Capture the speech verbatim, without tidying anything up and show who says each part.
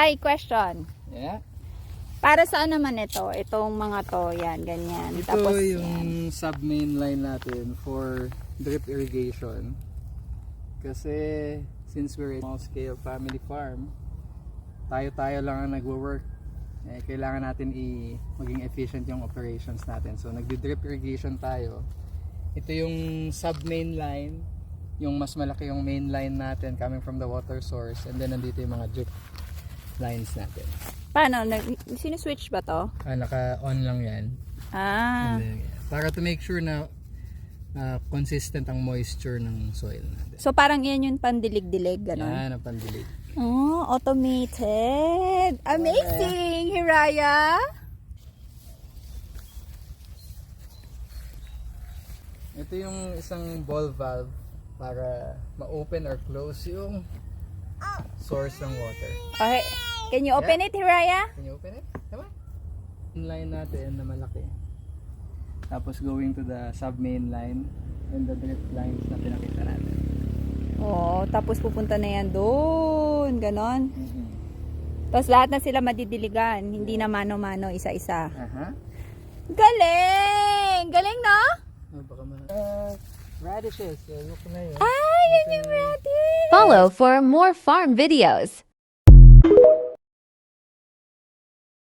Speaker 1: Hi, question.
Speaker 2: Yeah.
Speaker 1: Para saan naman ito? Itong mga to, yan, ganyan.
Speaker 2: Ito
Speaker 1: Tapos
Speaker 2: yung
Speaker 1: yan.
Speaker 2: sub-main line natin for drip irrigation. Kasi since we're a small scale family farm, tayo-tayo lang ang nagwo-work. Eh, kailangan natin i maging efficient yung operations natin. So nagdi-drip irrigation tayo. Ito yung sub-main line, yung mas malaki yung main line natin coming from the water source, and then nandito yung mga drip lines natin.
Speaker 1: Paano? Sino-switch ba to?
Speaker 2: Ah, naka-on lang yan.
Speaker 1: Ah.
Speaker 2: And then, yeah, para to make sure na uh, consistent ang moisture ng soil natin.
Speaker 1: So parang yan yung pandilig-dilig, gano'n?
Speaker 2: Yan ang pandilig.
Speaker 1: Oh, automated. Amazing, Hiraya.
Speaker 2: Ito yung isang ball valve para ma-open or close yung source ng water.
Speaker 1: Okay. Can you open
Speaker 2: Yeah.
Speaker 1: it, Hiraya?
Speaker 2: Can you open it? Come on. Yung line natin na malaki. Tapos going to the sub-main line and the drip lines na pinakita natin.
Speaker 1: Oo, tapos pupunta na yan doon, ganon.
Speaker 2: Mm-hmm.
Speaker 1: Tapos lahat na sila madidiligan, hindi na mano-mano, isa-isa.
Speaker 2: Aha.
Speaker 1: Galing! Galing, no?
Speaker 2: Oh, baka ma- uh, radishes. Uh, look na yun.
Speaker 1: Ay, yan yung radish!
Speaker 3: Follow for more farm videos.